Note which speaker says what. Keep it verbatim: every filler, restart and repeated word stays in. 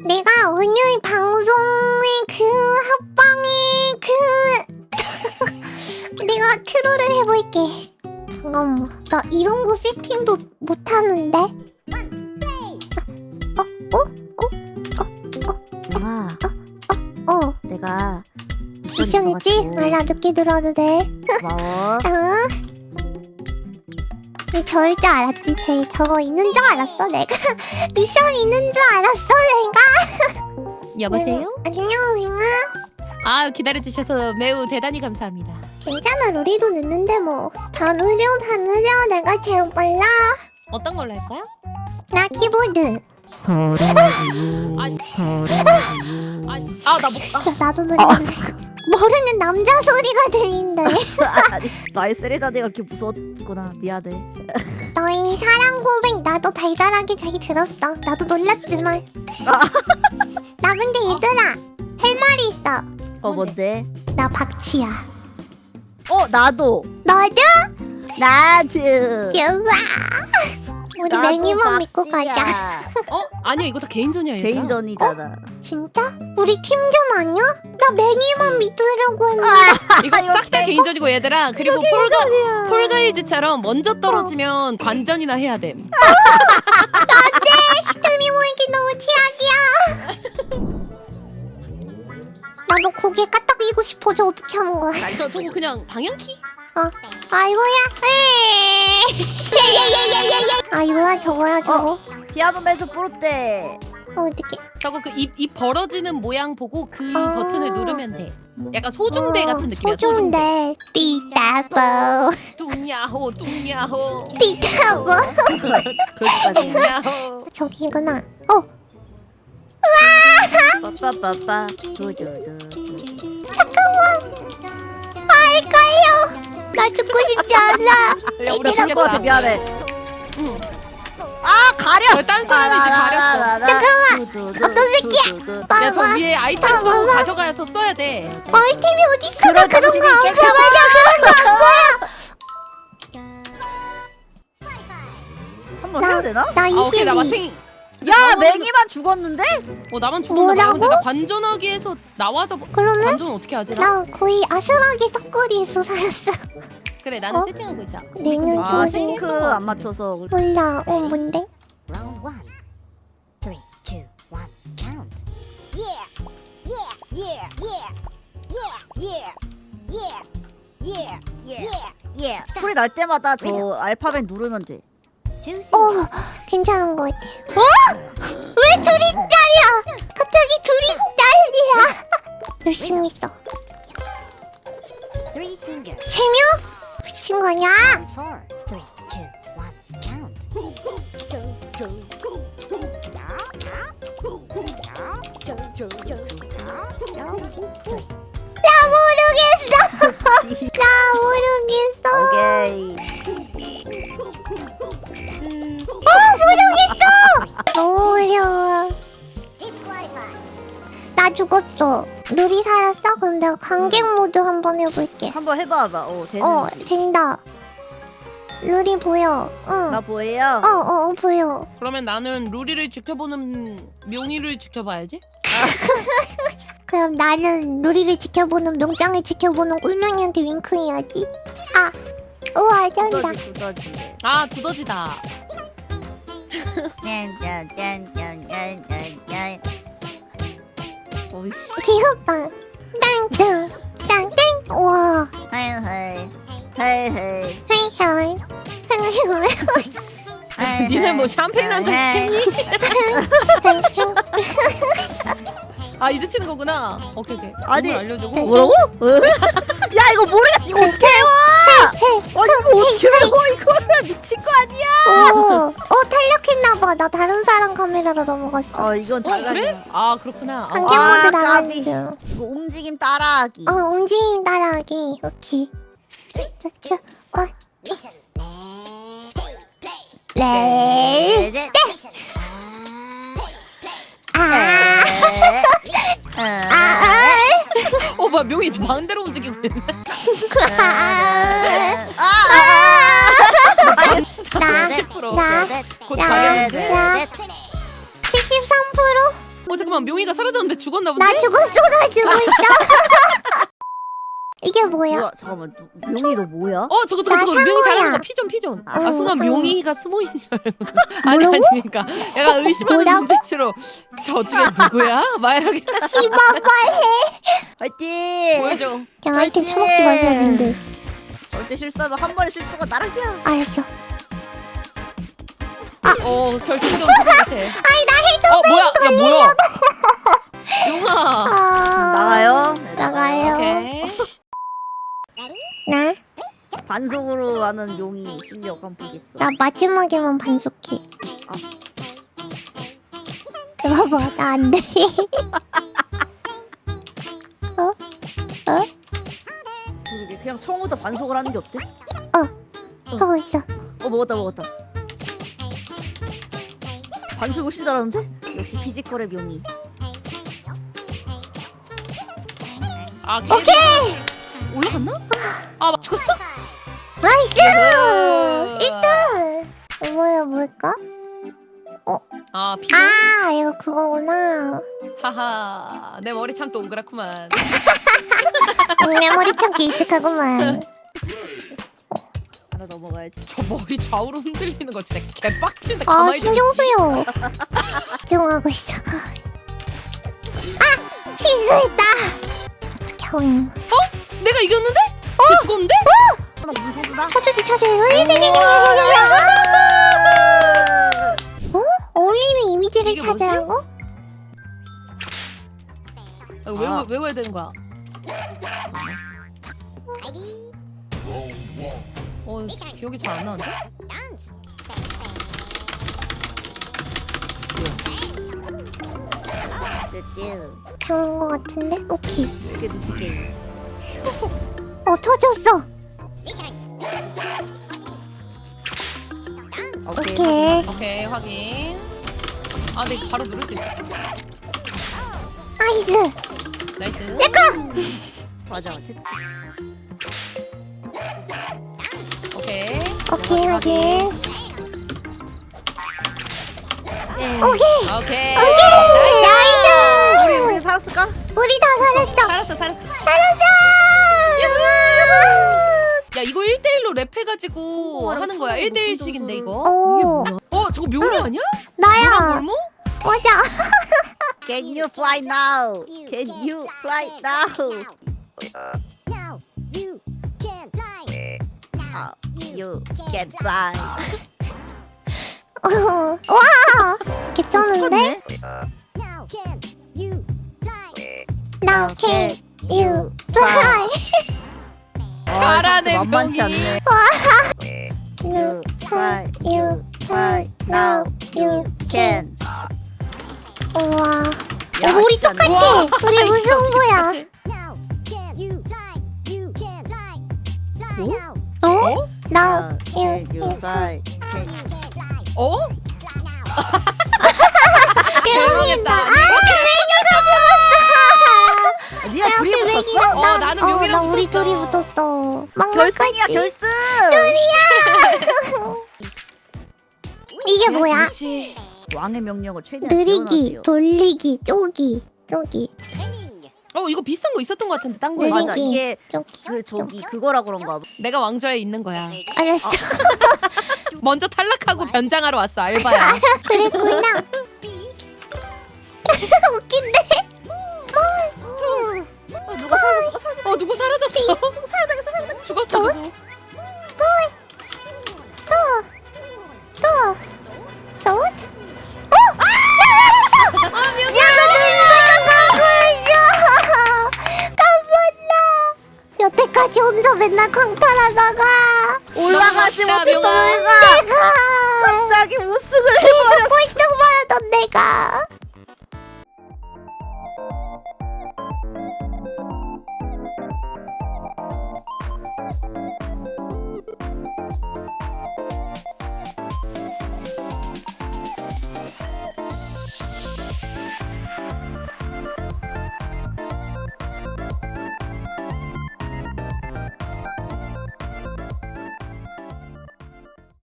Speaker 1: 내가 오늘 방송의 그 합방의 그 내가 트롤을 해볼게. 잠깐만, 나 이런 거 세팅도 못하는데. 어? 어? 어? 어?
Speaker 2: 아,
Speaker 1: 어? 어?
Speaker 2: 내가
Speaker 1: 미션이지? 몰라, 늦게 들어도 돼.
Speaker 2: 고마워.
Speaker 1: 응? 저럴 줄 알았지. 쟤 저거 있는 줄 알았어 내가. 미션 있는 줄 알았어 내가.
Speaker 3: 여보세요?
Speaker 1: 안녕 윙아.
Speaker 3: 아 기다려주셔서 매우 대단히 감사합니다.
Speaker 1: 괜찮아, 우리도 늦는데 뭐. 다 느려 다 느려. 내가 제일 빨라.
Speaker 3: 어떤 걸로 할까요?
Speaker 1: 나 키보드.
Speaker 2: 서른이유,
Speaker 3: 아, 씨.
Speaker 2: 서른이유.
Speaker 3: 아씨 아나 못. 아,
Speaker 1: 나, 나도 느렸네. 모르는 남자 소리가 들린대.
Speaker 2: 아니, 나의 세레나데가 그렇게 무서웠구나. 미안해.
Speaker 1: 너희 사랑 고백 나도 달달하게 잘 들었어. 나도 놀랐지만. 나 근데 얘들아 할 말이 있어.
Speaker 2: 어, 뭔데?
Speaker 1: 나 박치야.
Speaker 2: 어, 나도.
Speaker 1: 너도?
Speaker 2: 나도.
Speaker 1: 좋아. 우리
Speaker 2: 나도
Speaker 1: 맹이만 믿고
Speaker 2: 박씨야.
Speaker 1: 가자.
Speaker 3: 어? 아니야 이거 다 개인전이야 얘들아.
Speaker 2: 개인전이잖아.
Speaker 1: 진짜? 우리 팀전 아니야? 나 맹이만 믿으려고 했는데.
Speaker 3: 이거 싹 다 개인전이고 얘들아. 그리고 폴가
Speaker 1: 개인전이야.
Speaker 3: 폴가이즈처럼 먼저 떨어지면 관전이나 해야 됨.
Speaker 1: 스트리머에게 너무 최악이야. 나도 고개 까딱이고 싶어. 저 어떻게 하는 거야?
Speaker 3: 저 저거 그냥 방향키?
Speaker 1: 어, 아이고야. 에이. 아이고야, 저거야, 저거.
Speaker 2: 피아노 매즈 프로테.
Speaker 1: 어, 어떡해.
Speaker 3: 저거 그 입 입 벌어지는 모양 보고 그
Speaker 1: 아.
Speaker 3: 버튼을 누르면 돼. 약간 소중대
Speaker 1: 어,
Speaker 3: 같은 느낌이야. 소중대.
Speaker 1: 소중대. 띠따보.
Speaker 3: 뚱야호 뚱야호
Speaker 1: 띠따보.
Speaker 2: 거기까지.
Speaker 3: 뚱야호.
Speaker 1: 저기구나. 어,
Speaker 2: 빠빠빠빠. 두두두.
Speaker 1: 아, 헷갈려. 나 죽고 싶지 않아.
Speaker 3: 야 우리
Speaker 2: 이럴 것
Speaker 3: 죽겠다.
Speaker 2: 같아. 미안해.
Speaker 3: 응.
Speaker 2: 아, 가려.
Speaker 3: 딴 사람이지 가렸어.
Speaker 2: 잠깐만.
Speaker 1: 어떤 새끼야?
Speaker 3: 야 저
Speaker 1: 봐봐.
Speaker 3: 위에 아이템도
Speaker 1: 봐봐.
Speaker 3: 가져가서 써야 돼.
Speaker 1: 아이템이 어딨어? 나
Speaker 2: 그런
Speaker 1: 그런
Speaker 2: 정신이
Speaker 1: 거 안
Speaker 2: 있겠다.
Speaker 1: 써봐. 나 그런 거 안 써요.
Speaker 2: 한번 해야 되나?
Speaker 1: 나
Speaker 3: 아 오케이 나
Speaker 1: 이십이.
Speaker 3: 마탱이.
Speaker 2: 야, 맹이만 죽었는데?
Speaker 3: 어 나만 죽었나 봐. 근데
Speaker 1: 뭐라고?
Speaker 3: 나 관전하기에서 나와서
Speaker 1: 그러면
Speaker 3: 관전 어떻게 하지? 나?
Speaker 1: 나 거의 아슬하게 석거리에서 살았어.
Speaker 3: 그래 나는
Speaker 1: 어?
Speaker 3: 세팅하고 있자.
Speaker 1: 내는
Speaker 2: 아,
Speaker 1: 조심.
Speaker 2: 싱크 안 맞춰서.
Speaker 1: 몰라. 어, 뭔데?
Speaker 4: Round one. Three, two, one, count. Yeah, yeah, yeah, yeah, yeah, yeah, yeah, yeah, yeah.
Speaker 2: 소리 날 때마다 저 알파벳 누르면 돼.
Speaker 4: Two
Speaker 1: 어,
Speaker 4: singles.
Speaker 1: 괜찮은 것 같아. 어? 왜 둘이 딸이야? 갑자기 둘이 딸이야. 열심히 써.
Speaker 4: Three singers.
Speaker 1: 세 명? 미친 거 아니야?
Speaker 4: Four, three, two, one, count.
Speaker 1: 나 모르겠어. 나 모르겠어.
Speaker 2: 오케이.
Speaker 1: 너무 어려워.
Speaker 4: Disqualified.
Speaker 1: 나 죽었어. 누리 살았어? 그럼 내가 관객 모드 한번 해볼게.
Speaker 2: 한번 해봐봐. 어, 되는지.
Speaker 1: 어, 된다. 루리 보여. 응.
Speaker 2: 나 보여요?
Speaker 1: 어, 어, 어, 보여.
Speaker 3: 그러면 나는 루리를 지켜보는 명의를 지켜봐야지.
Speaker 1: 그럼 나는 루리를 지켜보는 명장을 지켜보는 꿀명이한테 윙크해야지. 아, 우와, 잘한다.
Speaker 2: 두더지, 두더지.
Speaker 3: 아 두더지다.
Speaker 2: 짠짠짠짠짠짠. 오이씨.
Speaker 1: 귀엽다. 땡땡, 땡땡. 우와,
Speaker 2: 헤이 헤이. 헤이 헤이.
Speaker 1: 헤이 헤이. 헤이
Speaker 2: 헤이,
Speaker 3: 니네 뭐
Speaker 2: 헤이.
Speaker 3: 샴페인 한 잔
Speaker 2: 헤이.
Speaker 3: 시켰니?
Speaker 1: 헤이.
Speaker 3: 아 이제 치는 거구나. 오케이 오케이.
Speaker 2: 아니,
Speaker 3: 이걸 알려주고.
Speaker 2: 뭐라고? 야, 이거 모르겠어. 이거 어떻게 해와? 아니, 이거 어떻게 해와? 이거를 미친 거 아니야?
Speaker 1: 오, 어, 탄력했나봐. 나 다른 사람 카메라로 넘어갔어.
Speaker 2: 어, 이건
Speaker 3: 어
Speaker 2: 달라.
Speaker 3: 그래? 아 그렇구나.
Speaker 1: 관객
Speaker 3: 아,
Speaker 2: 아,
Speaker 1: 모드
Speaker 2: 까비.
Speaker 1: 나가는 중.
Speaker 2: 이거 움직임 따라하기.
Speaker 1: 어, 움직임 따라하기. 오케이. 자, 어,
Speaker 4: Listen.
Speaker 1: 레.
Speaker 2: 네, 네.
Speaker 1: 아,
Speaker 2: 아,
Speaker 1: 아,
Speaker 3: 어 뭐야 명이 마음대로 움직이고 있네.
Speaker 1: 아,
Speaker 2: 아,
Speaker 1: 나,
Speaker 3: 십 퍼센트.
Speaker 1: 나,
Speaker 3: 곧
Speaker 1: 나,
Speaker 3: 가겠는데.
Speaker 1: 나. 칠십삼 퍼센트?
Speaker 3: 어 잠깐만 묘이가 사라졌는데 죽었나 본데?
Speaker 1: 나 죽었어 나 죽었어. 이게 뭐야?
Speaker 2: 뭐야 잠깐만 누, 명이 너 뭐야?
Speaker 3: 어 저거 저거
Speaker 1: 나
Speaker 3: 저거 묘이
Speaker 1: 상어야.
Speaker 3: 잘하는 거 피존 피존. 아
Speaker 1: 어,
Speaker 3: 순간
Speaker 1: 상어.
Speaker 3: 묘이가 숨어 있는 줄 알고. 아니 아니
Speaker 1: 뭐라고?
Speaker 3: 그러니까 약간 의심하는
Speaker 1: 뭐라고?
Speaker 3: 눈빛으로 저 중에 누구야? 막 이렇게
Speaker 1: 씨발발해.
Speaker 2: 화이팅!
Speaker 3: 보여줘.
Speaker 1: 그냥 아이템 처먹지 마세요 님들.
Speaker 2: 절대 실수하면 한 번의 실수가 나락이야.
Speaker 1: 알았어.
Speaker 3: 어 결승전 그거 같아.
Speaker 1: 아니 나 해도
Speaker 3: 어 뭐야? 야 뭐야? 용아.
Speaker 1: 아...
Speaker 2: 나가요?
Speaker 1: 나가요.
Speaker 3: 오케이.
Speaker 1: 나?
Speaker 2: 반속으로 하는 용이 실력 한번 보겠어.
Speaker 1: 나 마지막에만 반숙해.
Speaker 2: 아.
Speaker 1: 봐봐 나 안 돼. 어? 어?
Speaker 2: 그러게 그냥 처음부터 반속을 하는 게 어때?
Speaker 1: 하고 있어.
Speaker 2: 어 먹었다 먹었다. 반속 훨씬 잘하는데? 역시 피지컬의 명이.
Speaker 3: 아, 오케이. 올라갔나? 아 맞췄어?
Speaker 1: 나이스!
Speaker 3: 으.
Speaker 1: 일 등! 뭐야 뭘까?
Speaker 3: 아 피존.
Speaker 1: 아 이거 그거구나.
Speaker 3: 하하. 내 머리 참 동그랗구만.
Speaker 1: 내 머리 참 길쭉하구만.
Speaker 2: 하나 넘어가야지.
Speaker 3: 저 머리 좌우로 흔들리는 거 진짜 개빡치네.
Speaker 1: 아
Speaker 3: 가만히 좀
Speaker 1: 신경 쓰여. 집중하고 있어. 아 실수했다. 어떻게 하고 있는 거야?
Speaker 3: 있- 내가 이겼는데? 어? 죽었는데?
Speaker 2: 나 무서구나.
Speaker 1: 쳐주지 쳐주지. 어? 어울리는 이미지를
Speaker 3: 이게 뭐지?
Speaker 1: 찾으라고?
Speaker 3: 아, 외워 외워야 되는 거야. 어 기억이 잘 안 나는데?
Speaker 2: 뚜뚜.
Speaker 1: 당한 거 같은데? 오케이.
Speaker 2: 두개 두개.
Speaker 1: 어 터졌어.
Speaker 2: 오케이.
Speaker 1: 오케이.
Speaker 3: 오케이 확인. 아 근데 이거 바로 누를 수 있어.
Speaker 1: 나이스.
Speaker 3: 나이스.
Speaker 2: 맞아. 채-
Speaker 3: 오케이.
Speaker 1: 오케이 오케이.
Speaker 2: 예.
Speaker 1: 오케이.
Speaker 3: 아, 오케이.
Speaker 1: 나이스.
Speaker 2: 우리 우리 살았을까?
Speaker 1: 우리 다 살았어.
Speaker 3: 살았어 살았어.
Speaker 1: 살았어.
Speaker 3: 야 이거 일 대일로 랩해가지고
Speaker 2: 오,
Speaker 3: 하는 거야.
Speaker 2: 알았어.
Speaker 3: 일 대일씩인데 이거.
Speaker 1: 오
Speaker 3: 어 저거 묘미 아니야?
Speaker 1: 나야.
Speaker 3: 노랑 골무?
Speaker 1: 맞아.
Speaker 2: Can you fly now? Can you fly now?
Speaker 4: Now you can fly.
Speaker 2: How you can fly?
Speaker 1: 어. 와. 괜찮은데?
Speaker 4: Now can you fly.
Speaker 1: Now can you fly?
Speaker 3: 잘하네,
Speaker 2: 만만치
Speaker 3: 명이.
Speaker 2: 않네.
Speaker 1: You
Speaker 2: fly,
Speaker 1: you fly. Now you can. 우와.
Speaker 2: 야,
Speaker 1: 어, 우리
Speaker 2: 쉽지 않네.
Speaker 1: 똑같아.
Speaker 3: 우와.
Speaker 1: 우리 무슨 거야?
Speaker 4: Now can you fly. You can fly. Fly
Speaker 2: 어?
Speaker 4: now.
Speaker 1: 어?
Speaker 3: 어?
Speaker 1: Now
Speaker 2: Can
Speaker 1: you
Speaker 2: you fly? Can
Speaker 4: You can fly.
Speaker 3: 어?
Speaker 4: Fly now.
Speaker 3: 대박이다.
Speaker 1: 아, 메기가 죽었어.
Speaker 2: 니가
Speaker 1: 내
Speaker 2: 둘이
Speaker 1: 앞에
Speaker 2: 붙었어?
Speaker 1: 메기가
Speaker 3: 어,
Speaker 1: 나-
Speaker 3: 나는
Speaker 1: 어,
Speaker 3: 묘기랑
Speaker 1: 나 우리
Speaker 3: 붙었어.
Speaker 1: 둘이 붙었어.
Speaker 2: 결승이야
Speaker 1: 막막하지?
Speaker 2: 결승.
Speaker 1: 이게 뭐야?
Speaker 3: 그렇지.
Speaker 2: 왕의 명령을 최대한
Speaker 1: 느리기,
Speaker 2: 지원하세요.
Speaker 1: 돌리기, 쪼기, 쪼기,
Speaker 4: Training.
Speaker 3: 어 이거 비슷한 거 있었던 것 같은데 딴 거에.
Speaker 1: 느리기.
Speaker 2: 맞아 이게
Speaker 1: 쪼기.
Speaker 2: 그 저기 그거라 그런가 봐.
Speaker 3: 내가 왕좌에 있는 거야.
Speaker 1: 알았어.
Speaker 3: 먼저 탈락하고 변장하러 왔어 알바야.
Speaker 1: 그랬구나. 웃긴데?
Speaker 2: 어, 누가 사라졌어? 누가 사라졌어?
Speaker 3: 어 누구 사라졌어? 죽었어 누구?
Speaker 1: 또, 또? 어? 아! 야, 눈물이 나고 있어! 깜빡나! 여태까지 혼자 맨날 광탈하다가
Speaker 2: 올라가지
Speaker 3: 너무
Speaker 2: 못했어
Speaker 3: 멋있다,
Speaker 2: 내가.
Speaker 1: 내가
Speaker 2: 갑자기 우승을 해버렸어.
Speaker 1: 꼴등 받았던 내가